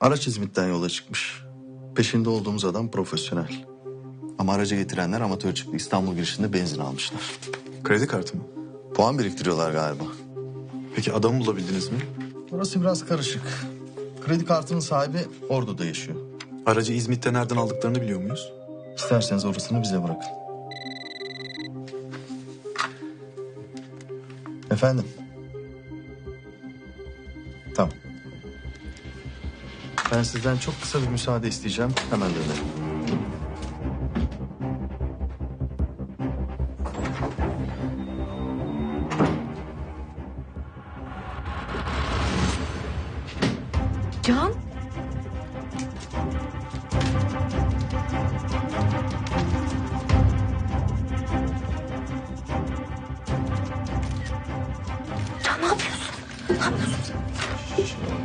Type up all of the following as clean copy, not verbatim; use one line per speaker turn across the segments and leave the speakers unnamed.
Araç İzmit'ten yola çıkmış. Peşinde olduğumuz adam profesyonel. Ama aracı getirenler amatör çıktı. İstanbul girişinde benzin almışlar.
Kredi kartı mı?
Puan biriktiriyorlar galiba.
Peki adamı bulabildiniz mi?
Orası biraz karışık. Kredi kartının sahibi Ordu'da yaşıyor.
Aracı İzmit'te nereden aldıklarını biliyor muyuz?
İsterseniz orasını bize bırakın. Efendim? Tamam. Ben sizden çok kısa bir müsaade isteyeceğim. Hemen dönerim.
Can? Can ne yapıyorsun? Ne yapıyorsun sen?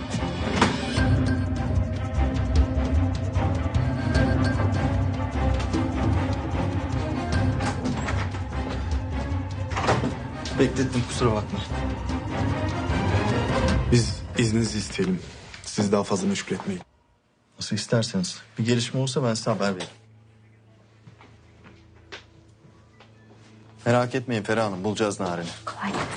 Beklettim, kusura bakma.
Biz izninizi isteyelim. Sizi daha fazla meşgul etmeyin.
Nasıl isterseniz. Bir gelişme olursa ben size haber veririm. Merak etmeyin Ferah Hanım, bulacağız Narin'i.
Kolay gelsin.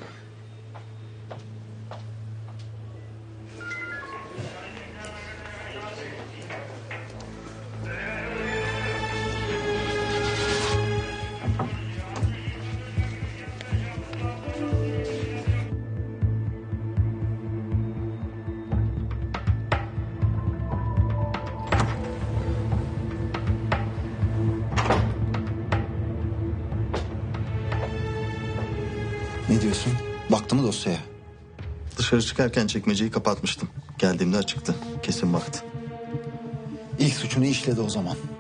Ne diyorsun? Baktı mı dosyaya?
Dışarı çıkarken çekmeceyi kapatmıştım. Geldiğimde açıktı. Kesin baktı.
İlk suçunu işledi o zaman.